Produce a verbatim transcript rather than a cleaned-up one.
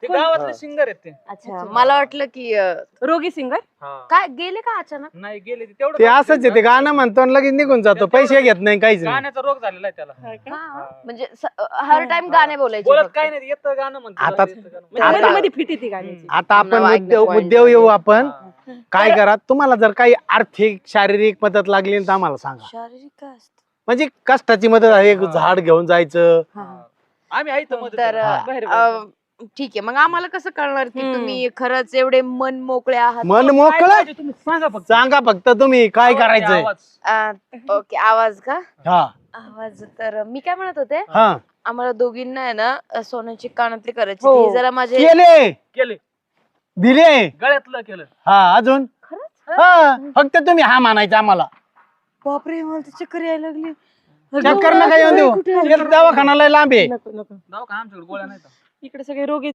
ते गावातले सिंगर आहेत ते. अच्छा मला वाटलं की अं, रोगी सिंगर काय गेले का अचानक? नाही गेले ते तेवढं ते असंच आहे ते गाणं म्हणतो आणि लगेच निघून जातो पैसे घेत नाही काहीच नाही गाण्याचा रोग झालेला आहे त्याला. हा, म्हणजे स- हर टाइम गाणे बोलायचे बोलत फक्त. काय नाही येतं गाणं म्हणतो. आता- म्हणजे आता- मध्ये मध्ये फिट येते गाण्याची. आता आपण नाव ऐकणं मुद्दे point मुद्द्यावर झाले. येऊ आपण काय करा तुम्हाला जर काही आर्थिक शारीरिक मदत लागली तर आम्हाला सांगा शारीरिक काय असतं? म्हणजे कष्टाची मदत आहे एक झाड घेऊन जायचं आम्ही आहे इथं मदत तर करायला. बरं, अं, ठीक आहे मग आम्हाला कसं कळणार की हम्म. तुम्ही खरंच एवढे मन मोकळे आहात? मन काय मोकळं पाहिजे तुम्ही सांगा फक्त. सांगा फक्त तुम्ही काय आवाज आहे, करायचंय आवाज. अं, ओके आवाज का? हा आवाज तर मी काय म्हणत होते हा आम्हाला दोघींना आहे ना अं, सोन्याची कानातली करायची हो. ती जरा माझे केले केले दिले गळ्यातलं केलं. हा अजून खरंच? हा फक्त तुम्ही हा मानायचा आम्हाला बापरे मला तर चक्कर यायला लागली चक्कर नका येऊन देऊ कुठे आहे? दवाखाना लय लांब आहे नको नको दवाखाना आमच्याकडे गोळ्या नाही. इकडे सगळे रोगी